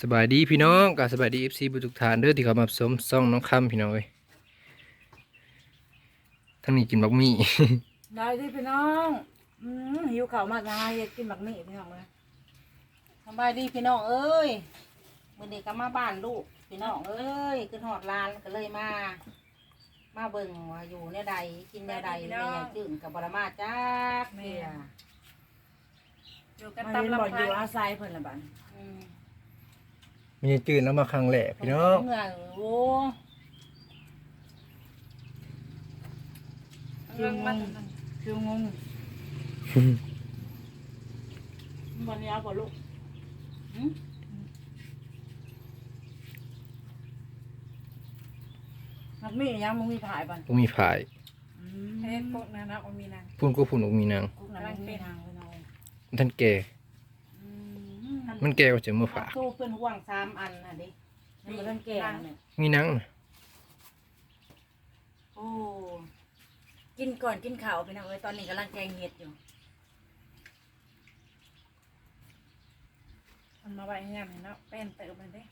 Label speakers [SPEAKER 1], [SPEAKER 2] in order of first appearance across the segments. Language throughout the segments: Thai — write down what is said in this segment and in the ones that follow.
[SPEAKER 1] สบายดีพี่น้องกับสบายดีFCบุทุกทานเด้อที่เข้ามาชมซ่องน้องคำพี่น้องเอ้ยทั้งนี้กินบักหมี่
[SPEAKER 2] ได้ที่พี่น้องหิวข้าวมากนะอยากกินบักหมี่พี่น้องเลย
[SPEAKER 3] สบายดีพี่น้องเอ้ยมื้อนี้ก็มาบ้านลูกพี่น้องเอ้ยขึ้นฮอดลานก็เลยมาเบิ่งว่าอยู่แนวใดกินแนวใดแม่ยายจึงกับบรมาจักเที่ย
[SPEAKER 2] อยู่กันตามลำพังอยู่อาศัยเพิ่นละบัด
[SPEAKER 3] อืม
[SPEAKER 1] มีจืดแล้วมาครั้งแรกพี่น้อง
[SPEAKER 3] เมื่อโอ้
[SPEAKER 2] คิวงงคิวงง
[SPEAKER 3] วันนี้เอาบ่ลูกหึ
[SPEAKER 2] บักหมี่ยังมึงมีถ่ายบัด
[SPEAKER 1] บ่มีผาย
[SPEAKER 2] เฮ็ดพวกนั้นนะมีนาง
[SPEAKER 1] พุ่นก็พุ่นอกมีนาง
[SPEAKER 2] พวกนั้นมีนางพี่น้อง
[SPEAKER 1] ท่านแก่มันแก่กว่าจะมาฝาก
[SPEAKER 3] ตู้เพิ่นห่วง3อันน่ะดิ
[SPEAKER 2] นี่มันแก่เนี่ย
[SPEAKER 1] มีนางน่ะ
[SPEAKER 3] โอ้
[SPEAKER 2] กินก่อนกินข้าวพี่น้องเอ้ยตอนนี้กำลังแกงเห็ดอยู่
[SPEAKER 4] มันมาไว้ให้ยังเนาะเป็นเติมมันเด้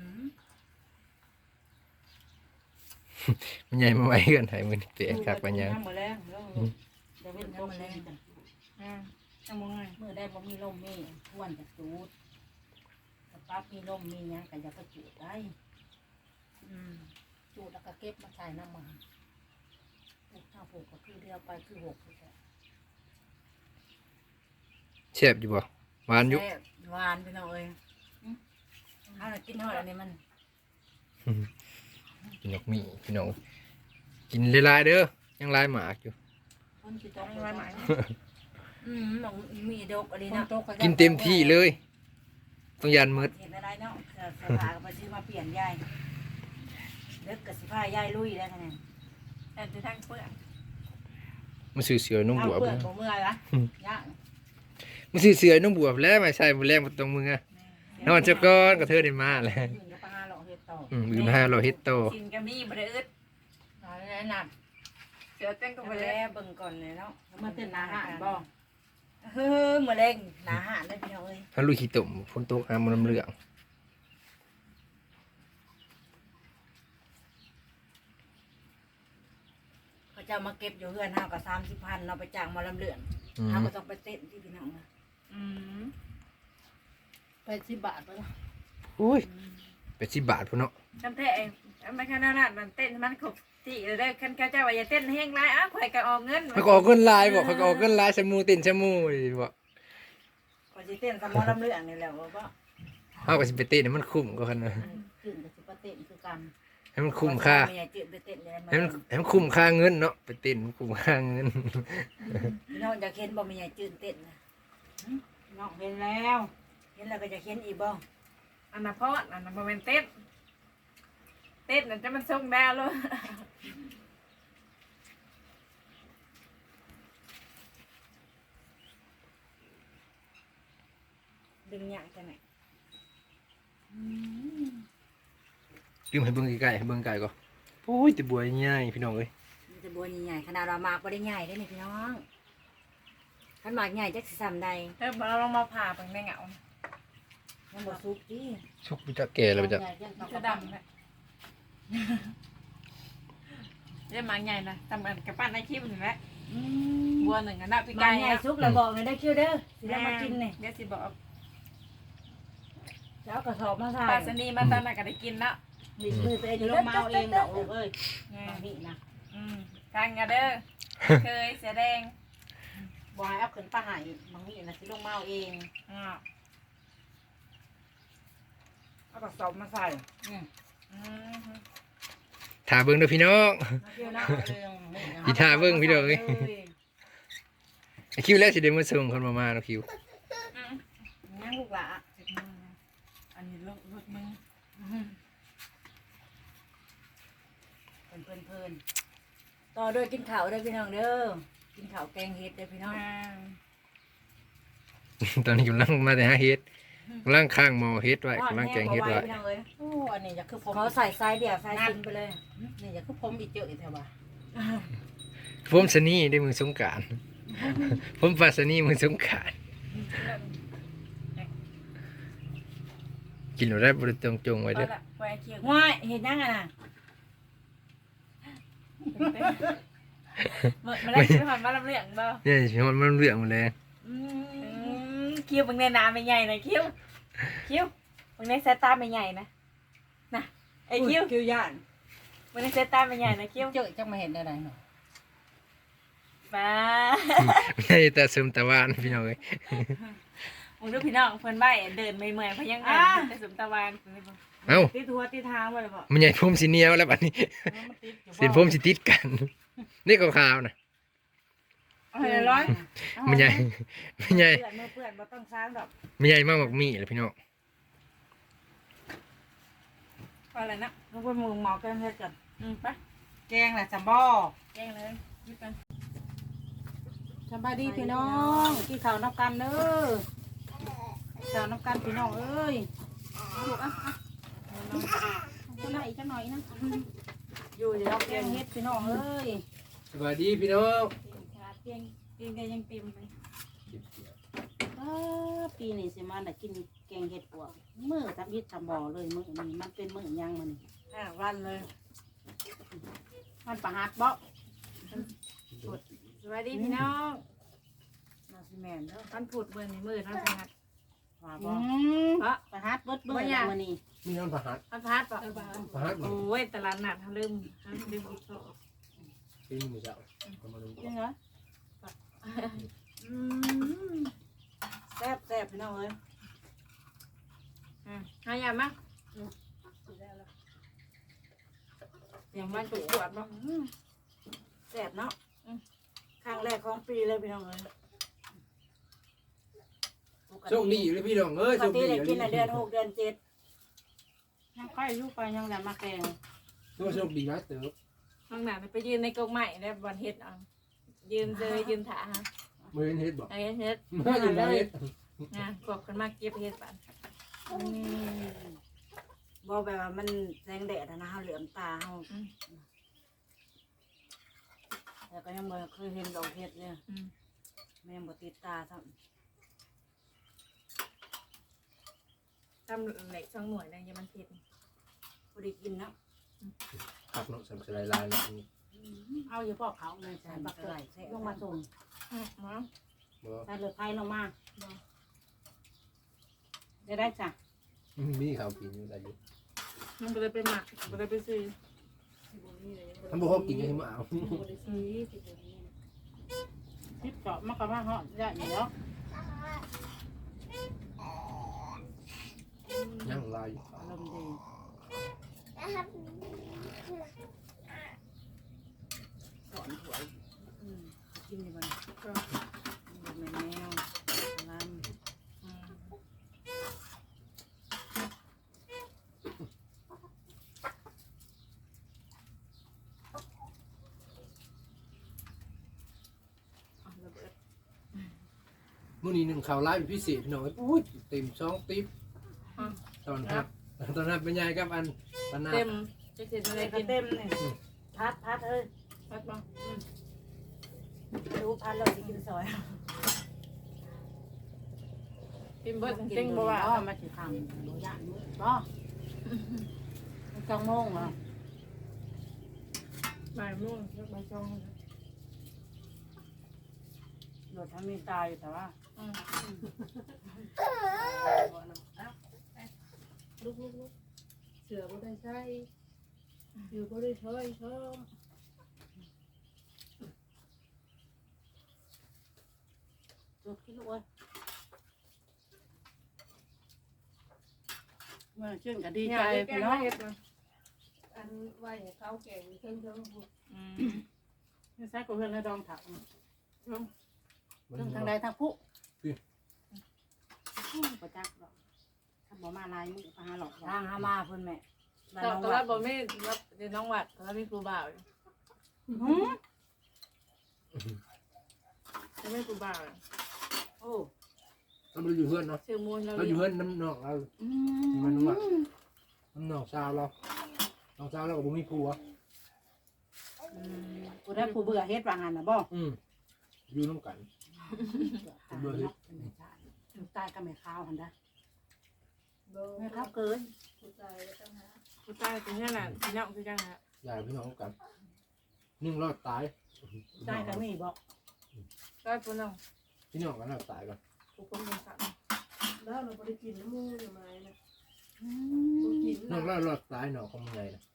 [SPEAKER 1] มันใหญ่มาไว้กันให้มันเตะคักปัญญา
[SPEAKER 3] มื้อแรงเด้อเดี๋ยวเว้นบ่มีจ้ะ
[SPEAKER 4] จังมงไง
[SPEAKER 3] มื้อใดบ่มีลมมีควรจะจูดถ้าปั๊บมีลมมีหยังก็อย่าไปจูดได้จูดแล้วก็เก็บมาใส่น้ำมันปลูกถ้าปลูกก็คือเดียวไปคือ6คือแค่
[SPEAKER 1] แซ่บอยู่บ่หวานอยู่
[SPEAKER 2] แซ่บหวานพี่น้องเอ้ยเอาน่ะกินฮอดอันนี้มัน
[SPEAKER 1] กินบักหมี่พี่น้องกินหลายๆเด้อยังหลายหมากอยู่
[SPEAKER 3] คนสิตก
[SPEAKER 4] ไว้หมาย
[SPEAKER 2] บักหมี่ดกอันนี้
[SPEAKER 3] คน
[SPEAKER 2] เนาะ
[SPEAKER 3] ตก
[SPEAKER 1] กินเต็มที่เลยต้องยันมืด
[SPEAKER 2] เห็นอะไรเนาะเสื้อผ้าก็ไปซื้อมาเปลี่ยนยายเลิกกับสิผ้ายายลุยแล้วคะแนน
[SPEAKER 4] แต่จะทั้งเปลือก
[SPEAKER 1] มันซื้อเสือนุ่งบวบ
[SPEAKER 3] เพื่อนบ่เมื่อยละย่าง
[SPEAKER 1] มันซื้อเสือนุ่งบวบแล้วไม่ใช่บ่แรงบ่ตรงมือนอนเจ้าก้อนก็เธอได้มาแล้ว
[SPEAKER 3] อื่นก็ไปหาหลอกเฮ็ดต่อ
[SPEAKER 1] อื่นหาเราเฮ็ดโต
[SPEAKER 4] กินกับนี่บริอึด
[SPEAKER 2] อะไรนั่น
[SPEAKER 4] เสือเต้นกับ
[SPEAKER 2] ก็
[SPEAKER 4] ไป
[SPEAKER 2] ไป
[SPEAKER 4] แล้
[SPEAKER 2] แล้ว วเบิ่งก่อนเลยเนาะ
[SPEAKER 3] แล้วมาเต้นอาหารบ่
[SPEAKER 2] เฮ้อมื้อแรงหนาหานเลยพี่น้องเอ้ย
[SPEAKER 1] ถ้าลูกขี้ตุ่มฝนตกหามันน้ำเหลือง
[SPEAKER 2] เขาจะมาเก็บอยู่เฮือนเฮาก็30,000เนาะไปจ้างหมาลำเลือน
[SPEAKER 1] อืม
[SPEAKER 2] เฮาก็ต้องไปเต้นที่พี่น้องนะ
[SPEAKER 3] ไป10 บาทไปละ
[SPEAKER 1] อุ้ยไป10 บาทพุ่นเนาะ
[SPEAKER 4] จำแท้เองไม่ขนาดนั้นมันเต้นมันขบที่เลยคันข้าเจ้าว่าอย่าเต้นแห้งไรอ้าวข่อยก็ออกเงิน
[SPEAKER 1] เขาก็ออกเงินลายบอกเขาก็ออกเงินลายชะมูตินชะมูบอก
[SPEAKER 2] ก็สิเต้นกับหมาลำเลือนนี่แหละว่าบ่
[SPEAKER 1] เขาก็สิไปเต้นให้มันคุ้มก็คันนะ
[SPEAKER 3] ขึ้นก็สิไปเต้นคือกัน
[SPEAKER 1] ให้มันคุ้มค่า
[SPEAKER 2] แม่จืดไปเต้นเลย
[SPEAKER 1] ให้มันคุ้มค่าเงินเนาะไปเต้นมันคุ้มค่าเงิน
[SPEAKER 2] พี่น้องอยากเห็นบ่แม่ใหญ่จืดเต้นนะ
[SPEAKER 3] น้องเห็นแล้ว
[SPEAKER 2] เห็นแล้วก็จะเห็นอีกบ่
[SPEAKER 4] อันนั้นเพราะอันนั้นมันเต้นเต้นนั่นจะมันส่งดาวเลย
[SPEAKER 2] ดึงหยังจังไหน
[SPEAKER 1] ยืมให้เบิ่งใกล้ๆให้เบิ่งไกลก็โอ้ยแต่บัวใหญ่พี่น้องเอ้ย
[SPEAKER 2] มันจะบัวใหญ่ๆขนาดเรามากบ่ได้ใหญ่เด้นี่พี่น้องคันมากใหญ่จักสิซ้ำใด
[SPEAKER 4] เริ่มเราลองมาผ่าเบิ่งในเหงา
[SPEAKER 2] มันบ่สุกติ
[SPEAKER 1] ชุกไปจักแก่แล้วไปจัก
[SPEAKER 4] จะดำเลยเรียกมาใหญ่นะทำกันกับปั้นในคลิปนี่แหละบัวหนึ่งอันนั้นพี่
[SPEAKER 2] มา
[SPEAKER 4] ไก่
[SPEAKER 2] ใหญ่สุกแล้วบอกเลยได้คิวเด้อสิได้มากินนี่
[SPEAKER 4] เดี๋ยวสิบอก
[SPEAKER 2] แล้วกระสอบมาใส่
[SPEAKER 4] ปลาสนีมาตอนนั้นก็ได้กินแล้ว
[SPEAKER 2] ดิมือตัวเอง
[SPEAKER 3] ลงมาเอาเองดอกลูกเอ้ยบางนี่นะ
[SPEAKER 4] ทางกันเด้อเคยเสียแดง
[SPEAKER 3] บ่ให้เอาขึ้นป้าให้บางนี่นะสิลงมาเอาเอง
[SPEAKER 2] เอากระสอบมาใส่
[SPEAKER 1] ถ่าเบิ่งเด้อพี่น้อง
[SPEAKER 2] มาคิวนะ
[SPEAKER 3] เรื่องนี่นะ
[SPEAKER 1] อีท่าเบิ่งพี่น้องเอ้ยไอ้คิวแล้วสิได้มาส่งคนมาเนาะคิว
[SPEAKER 3] ยังลูกหลา
[SPEAKER 4] อันนี้รถมึง
[SPEAKER 2] เพิ่นต่อด้วยกินข้าวเด้อพี่น้องเด้อกินข้าวแกงเห็ดเด้อพี่น้อง
[SPEAKER 1] ตอนนี้กำลังมาแต่หาเฮ็ดกำลังข้างหมอเฮ็ดไว้กำลังแกงเฮ็ดไว้
[SPEAKER 2] พี่น้องเอ้ย
[SPEAKER 3] โอ้อันนี้จะคือผม
[SPEAKER 2] เขาใส่ไซส์เดียวไซส์ซิงไปเลย
[SPEAKER 3] นี่จะคือผมอีกเจออีกแถวว่า
[SPEAKER 1] ผมสนี่ได้มือสงกรานต์ ผมปาสนี่มือสงกรานต์กินหนูได้บริตรงจงไว้
[SPEAKER 4] เอา
[SPEAKER 1] เด้อ
[SPEAKER 4] ละไว้เคียง
[SPEAKER 2] ง่ายเห็นยังไงน่ะ
[SPEAKER 4] มาได้ซื้อหอนมาลำเลียงบ่
[SPEAKER 1] เนี่ยมันเรื่องหมดเลย
[SPEAKER 4] คิ้วบางในน้ำไม่ใหญ่นะคิ้วบางในสายตาไม่ใหญ่นะนะไอ้คิ้ว
[SPEAKER 2] คิวย่าน
[SPEAKER 4] บางในสายตาไม่ใหญ่นะคิ้ว
[SPEAKER 3] เจอจังมาเห็นได้ไหนเนาะ
[SPEAKER 4] บ้า
[SPEAKER 1] ไม่ใช่แต่ซึมแต่ว่านพี่น้องเอ้ย
[SPEAKER 4] มึงดูพี่น้องเพิ่นใบ้เดินไม่เมื่อยเพราะยังไงแต่สมตะวัน
[SPEAKER 1] เอ้า
[SPEAKER 2] ติดหัวติดทางบ่ได้บ่
[SPEAKER 1] มันใหญ่พรมสีเหนียวแล้วบัดนี้
[SPEAKER 3] มันติดอยู่
[SPEAKER 1] สินพรมสิติดกัน นี่ก็ขาวนะ
[SPEAKER 4] เอาให้ร้อย
[SPEAKER 1] มันใหญ่มันใหญ่
[SPEAKER 2] เพื่อนเมื่อเพื่อนบ่ต้องซ้างดอก
[SPEAKER 1] มันใหญ่มากกว่ามีเลยพี่น้อง
[SPEAKER 4] เอาอะไรนะ
[SPEAKER 2] ทุกคนมึงหมอกันเฮ็ดกัน
[SPEAKER 4] ไป
[SPEAKER 3] แกงแหละจัมบ่
[SPEAKER 4] แกงเลยยิบกัน
[SPEAKER 3] สบายดีพี่น้องกินข้าวน้ำกันเด้อข้าวน้ำกันพี่น้องเอ้ยลูกอ่ะจะหน่อยจะหน่อยนะ
[SPEAKER 2] อยู่เดี๋ยว
[SPEAKER 3] แกงเฮ็ดพี่น้องเอ้ย
[SPEAKER 1] สวัสดีพี่น้อง
[SPEAKER 4] เตียงก็ยังเต็มไป
[SPEAKER 3] ปีนี้สิมาได้กินแกงเฮ็ดปวกมื้อทำอิฐทำบ่อเลยมื้อนี้มันเป็นมื้อหยังมัน
[SPEAKER 2] 5 วันเลย
[SPEAKER 3] มันประหัดบ่
[SPEAKER 4] สวัสดีพี่น้อง
[SPEAKER 2] น่าสิแม่นเด้อ
[SPEAKER 4] ท่านพูดเมื่อนี้มือท่านสงัด
[SPEAKER 2] ว่า
[SPEAKER 3] อื
[SPEAKER 2] บ่
[SPEAKER 3] มประหัดเบิดมื้อละมื้อนี้
[SPEAKER 1] มีน้องประหัด
[SPEAKER 4] ท่านพัดป่ะ
[SPEAKER 1] ประหัด
[SPEAKER 4] โอ้ยตลาดนัดท่านลืมอีกโซ่
[SPEAKER 1] เป็นมือเจ้ามาดู
[SPEAKER 3] จริงเหรอ
[SPEAKER 2] แซ่บพี่น้องเอ้ย
[SPEAKER 4] หายามั้ยอย่างมันปวดบ้าง
[SPEAKER 2] แซ่บเนาะครั้งแรกของปีเลยพี่น้องเอ้ย
[SPEAKER 1] โชคดีอยู่เลยพี่น้องเอ้ย
[SPEAKER 2] ป
[SPEAKER 1] โช
[SPEAKER 2] ก
[SPEAKER 1] ค
[SPEAKER 2] ติ
[SPEAKER 1] ดี
[SPEAKER 2] ได้กินในเดือน6เดือน7
[SPEAKER 3] ยังค่อยอยู่ไปยังแต่มาแกง
[SPEAKER 1] โชคดีนะเต๋อ
[SPEAKER 4] ข้างหน้าไปยืนในกรงใหม่ได้บอลเฮ็ดอ่ะยืนเลยยืนถาฮะ
[SPEAKER 1] มือเฮ็ดบอก
[SPEAKER 4] ไอ้เฮ็ด
[SPEAKER 1] มืออยู่ไหนเฮ็ด
[SPEAKER 4] นะกบกันมากเก็บเฮ็ดปัน
[SPEAKER 2] บ่แบบว่ามันแสงแดดนะเฮาเหลือมตาเฮาแต่ก็ยังบ่เคยเห็นดอกเห็ดเนี่ยแม่บ่ติดตาซ้ำ
[SPEAKER 4] ทำเหล็กช่องหน่วยนะยังมันเผ็ด
[SPEAKER 2] บ่ได้กินเนาะ
[SPEAKER 1] ผักเนาะสำสลายลายเนาะ
[SPEAKER 3] เอาอยู่พอกเขาเลยใส่บักเกอร์ลงมาส่ง
[SPEAKER 4] มา
[SPEAKER 1] บ่
[SPEAKER 3] ใส่เลือดไทยลงมาได้จ้ะ
[SPEAKER 1] มีข้าวกินอยู่ได้อยู่
[SPEAKER 4] มันก็เลยไปหมักก็เลยไปซื้อ
[SPEAKER 1] ทำบ่ฮอกกินยังมาเอา
[SPEAKER 3] ทิปเจาะมากระมาเหาะได้อยู่แล้ว
[SPEAKER 1] ยังลายอยู่
[SPEAKER 3] อารมณ์ดีสอนถวยกินดีบ้างก็แมวลำ
[SPEAKER 4] ระเบิด
[SPEAKER 1] มื้อนี้หนึ่งข่าวลายเป็นพิเศษพี่น้องอุ้ยเต็ม2ติ๊บตอนครับเป็นไงครับอันปนา
[SPEAKER 4] เต็มจะเสร็จอะไร
[SPEAKER 2] ก็
[SPEAKER 4] กิน
[SPEAKER 2] เต็มนี่พัดเอ้ย
[SPEAKER 4] พัดมา
[SPEAKER 2] ดูพัดเราสิกินซอย
[SPEAKER 4] กินเบิด
[SPEAKER 3] กิน
[SPEAKER 4] เต็ง
[SPEAKER 3] บ่
[SPEAKER 4] บ่
[SPEAKER 3] ว่า
[SPEAKER 4] ว่า
[SPEAKER 3] มาสิทำบ่ย่านมื้อบ่จังโมงเหรอ
[SPEAKER 4] บ่ายโมงบ่ายสอง
[SPEAKER 2] โดดทำมีตาอยู่แต่ว่า
[SPEAKER 4] ลูกเสือบ่ได้ใช้อยู่บ่ได้ช่วยเพิ่ม
[SPEAKER 3] จุดที่ลูกเอ้ยเมื่อชื่นก็ดีใจพี่น้อง
[SPEAKER 4] อันไว้เขาแก่งเพิ่งพูด
[SPEAKER 3] นี่ใส่กับเพื่อนในดองถักเรื่องทางใดทางผู้ประจักษ์หรอกถ้าบ่มาลายมือพาหลอก
[SPEAKER 2] ทางหามาเพิ่นแม่บ้าน
[SPEAKER 4] ต
[SPEAKER 2] น้อง
[SPEAKER 4] อน
[SPEAKER 2] วั
[SPEAKER 4] แร
[SPEAKER 2] ด
[SPEAKER 4] กบ่มีรับเดี๋ยวน้องวัดตอนแรกมีครูบ่าวอยู่ จะไม่ครูบ่าว
[SPEAKER 2] โอ้
[SPEAKER 1] เราอยู่เพื่อนเนาะ
[SPEAKER 4] ชื่อมูลเรา
[SPEAKER 1] เราอยู่เพื่อนน้ำนองเรามันว่าน้ำนองสาวเราน้องสาวเรากับบุ้มีผัว
[SPEAKER 3] กูได้ผู้เบื่อเฮ็ดว่างั้นน่ะบ่
[SPEAKER 1] อยู่น้ำกัน
[SPEAKER 3] ตายก็ไม่ข้าวหั่นเด้อ
[SPEAKER 2] ไม่ครับเกิน
[SPEAKER 4] กูตายเป็นยังไงพี่น้องคือจังฮะ
[SPEAKER 1] ยายพี่น้องกันนึ่งรอดตาย
[SPEAKER 2] ได้ก็มีบอก
[SPEAKER 4] ก็พี่น้อง
[SPEAKER 1] พี่น้องกันรอดตายก่อน
[SPEAKER 4] กูคนเป็นสัตว์
[SPEAKER 5] แล้วเราไม่ได้กินน้ำมูกทำไมนะ
[SPEAKER 1] น้องรอดตายหนอของมึงไงนะ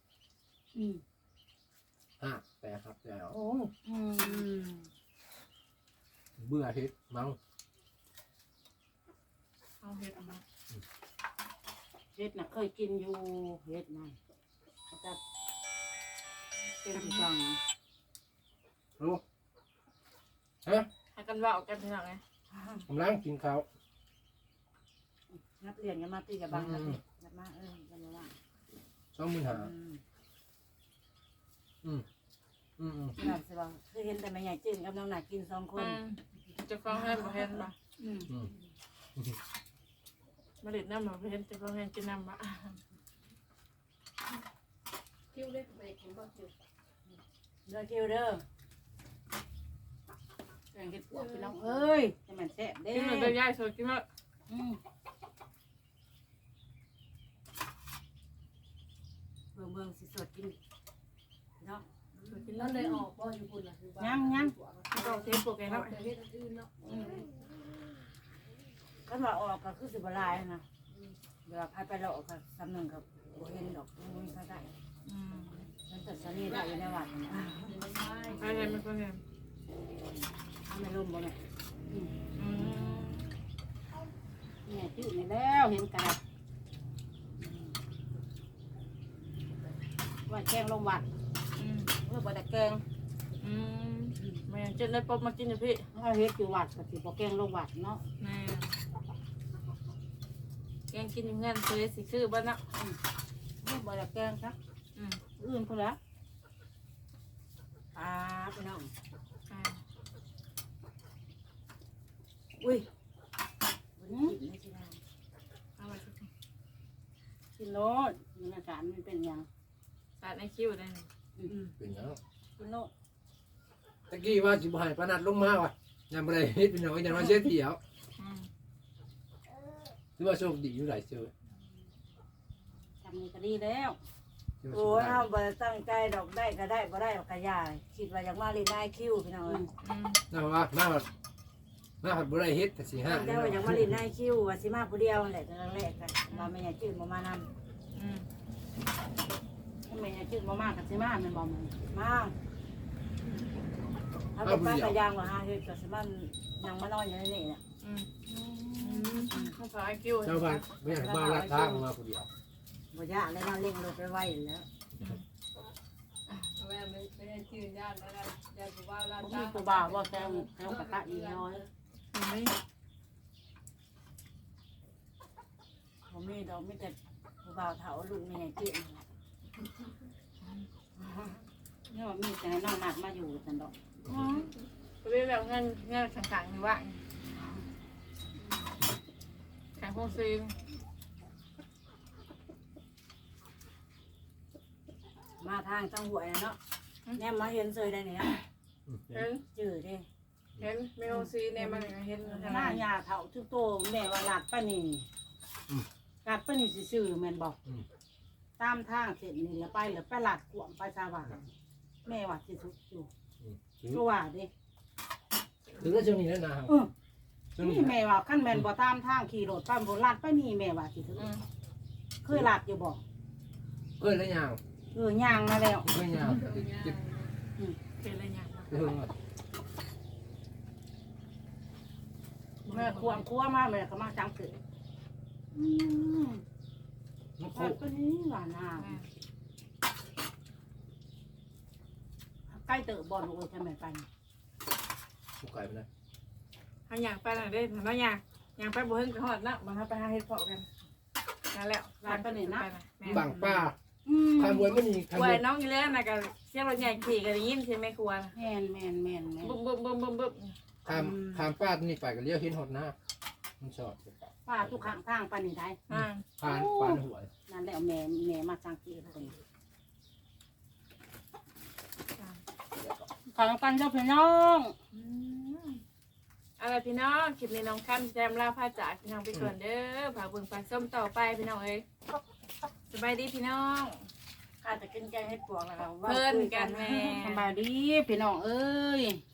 [SPEAKER 1] แต่ครับแล้ว
[SPEAKER 2] โอ้อืม
[SPEAKER 1] เบื่อเฮ็ดมั้ง
[SPEAKER 4] เอาเห็ดมา
[SPEAKER 2] เฮ็ดน่ะเคยกินอยู่เฮ็ดน่ะแต่เป็นจัง
[SPEAKER 1] รู้ฮะ
[SPEAKER 4] ให้กันว่ากันพี่น้องไง
[SPEAKER 1] กำลังกินข้าว
[SPEAKER 2] นักเรียนกันมาตีกับบังกันนักมากันมาว่า น่าสิว่าคือเห็นแต่แม่ใหญ่จื้นกับน้องหนากิน2 คน
[SPEAKER 4] จะฟ้องให้บ่เห็นบ่มาเด็ดน้ำบ่เห็นจะฟ้องให้กินน้ำบ่
[SPEAKER 5] คิ้วเล็กไปกินบ่คิ้ว
[SPEAKER 2] เด้อคิวเด้อแกงเห็ดปวกพี่น้องเอ้ยจะมันแซ่บเด้
[SPEAKER 4] กินเลยย่ายสดกินมา
[SPEAKER 2] เบิ่งสิสดกินเนาะ
[SPEAKER 4] กิน
[SPEAKER 5] แล้ว
[SPEAKER 4] แล้ว
[SPEAKER 5] เลยออกบ่อยู่พุ่นน่ะคือ
[SPEAKER 4] ก็เทปโปรแกรมแล้ว
[SPEAKER 5] แต่เฮ็ดอันอื่นเนาะ
[SPEAKER 2] คันว่าออกก็คือสิบ่หลายนะเวลาพาไปเลาะก็สำนึงก็บ่เห็นดอกบ่มีใครได้มันแต่สนีได้อยู่ในวัดนี่
[SPEAKER 4] ใครเห็นมันก็เห็น
[SPEAKER 2] ไม่ลมบ่แม่เนี่ยจื้อนี่แล้วเห็นกระดับว่าแกงลงวัดเมื่อบ่ได้แกง
[SPEAKER 4] แม่เจ็ดเลยป๊บมากินอยู่พี่
[SPEAKER 2] เอาเฮ็ดอยู่วัดก็สิบ่แกงลงวัดเนาะ
[SPEAKER 4] แม่แกงกินอยู่เงินซื้อสิซื้อบ้านนะ
[SPEAKER 2] เมื่อบ่ได้แกงครับอื่นพุ่นละพี่น้องอุ้ยบ่ได้กินไม่ใช่ได้
[SPEAKER 4] เอาไป
[SPEAKER 2] กินโลดมันอาการมันเป็นหยัง
[SPEAKER 4] สาดในคิ้วได้
[SPEAKER 1] เป็นยัง
[SPEAKER 2] กินโลด
[SPEAKER 1] ตะกี้ว่าสิบ่ให้ปนัดลงมาว่ะยังบ่ได้เฮ็ดพี่น้องยังว่าเช็ดเดียวถือว่าโชคดีอยู่หลายเชื่อ
[SPEAKER 2] ทำนี่ก็ดีแล้วโอ้ยเฮาบ่ตั้งใจดอกได้ก็ได้บ่ได้ก็ยายคิดว่าอยากมาเล่นนายคิวพี่น้องเอ้ย
[SPEAKER 1] น่าว่ามาผัดบ่ได้เฮ็ดแต่สิห้า
[SPEAKER 2] ตั้งใจว่าอยากมาเล่นนายคิวว่าสิมาผู้เดียวนั่นแหละแต่ครั้งแรกก็ว่าแม่ยายจื้อบ่มานำถ้าแม่ยายจื้อบ่มาก็สิมาแม่นบ่มันมาเอาไปป้ากะยางว่าหาเฮ็ดก็สิมันยังมานอนอยู่ในนี่น่ะ
[SPEAKER 4] ข้าวสารคิ้ว
[SPEAKER 1] เจ้าบ้านไม่อยากบ้านลัดทางมาผู้เดียว
[SPEAKER 2] บ่ยากเลยเราเร่งรถไปไว้แล้ว
[SPEAKER 5] แม่ไม่ได้ชื่อย่านแล้วนะย่านผู้ว่าร้าน
[SPEAKER 2] บ่มีตัวบ่าวบ่แซงแซงกะกะอีน้อยบ่มีดอกมีแต่ผู้บ่าวเฒ่าลูกแม่จื้อนี่ว่ามีแต่ให้น้องมากมาอยู่ซั่นดอก
[SPEAKER 4] ก็เรียกแบบเงินขังๆอยู่ว่าขังพงซีน
[SPEAKER 2] มาทางจังหวยเนาะแนมมาเห็นเซยได้เนี่ย
[SPEAKER 4] เห็น
[SPEAKER 2] จื้อเด้
[SPEAKER 4] เห็นเมลซีเนี่ยมันเห็น
[SPEAKER 2] หน้ายาเฒ่าทุกโตแม่ว่าลาดป้านี่ลาดป้านี่ซื่อๆแม่นบอกตามทางเสร็จนี่แล้วไปแล้วไปลาดกวงไปสว่างแม่ว่าสิทุกอยู่ก็ว่าเด้
[SPEAKER 1] ถึงแล้วช่วงนี้แล้วนะครับช่วงนี้
[SPEAKER 2] นี่แม่ว่าคันแม่นบ่ตามทางขี่รถตามบ่ลาดป้านี่แม่ว่าสิทุกเคยลาดอยู่บ่
[SPEAKER 1] เอ้ยแล้วยาว
[SPEAKER 2] ย่างมาแล้ว
[SPEAKER 1] เอ้ยยาว
[SPEAKER 4] เป็นอะไรอย่าง
[SPEAKER 2] แม่ควงมาแม่ก็มาจังเกิด
[SPEAKER 1] มันโค
[SPEAKER 2] ลาดป้านี่ว่าน้าใกล้เติบบ่ลูกจะแม่ไป
[SPEAKER 1] ผู้ไก่ไปนะ
[SPEAKER 4] ทางอย่างไปหน่อยได้ทางนั้นอย่างไปบ่เฮิงกระหอดนะมาไปหาเห็ดเพาะกันนั่นแหละ
[SPEAKER 1] บังป้าทางบวยไม่มีทาง
[SPEAKER 4] ค
[SPEAKER 1] บ
[SPEAKER 4] ว
[SPEAKER 1] วย
[SPEAKER 4] น้องอยู่เลยนะกับเสียงรถใหญ่ขี่กันยินใช่ไหมครัว
[SPEAKER 2] แม่น
[SPEAKER 4] บึ้มบึ้มบึ้มบึ้มบึ้ม
[SPEAKER 1] ทางป้านี่ไปกันเลี้ยวเห็นหดหน้ามันชอบ
[SPEAKER 2] ป้าทุกข้างทางไปนี่ได้
[SPEAKER 1] ผ่านหัว
[SPEAKER 2] นั่นแหละแม่มาจังเกิดคนทางกันเจ้าพี่น้อง
[SPEAKER 4] เอาล่ะพี่น้องคลิปนี้น้องค่ำแจมลาพาจากพี่น้องไปก่อนเด้อฝากเบิ่งฝากส้มต่อไปพี่น้องเอ้ยสบายดีพี่น้อง
[SPEAKER 2] ข้าจะกินแกงเห็ดปวกแล้วก็
[SPEAKER 4] เพิ่นกันแม่
[SPEAKER 2] สบายดีพี่น้องเอ้ย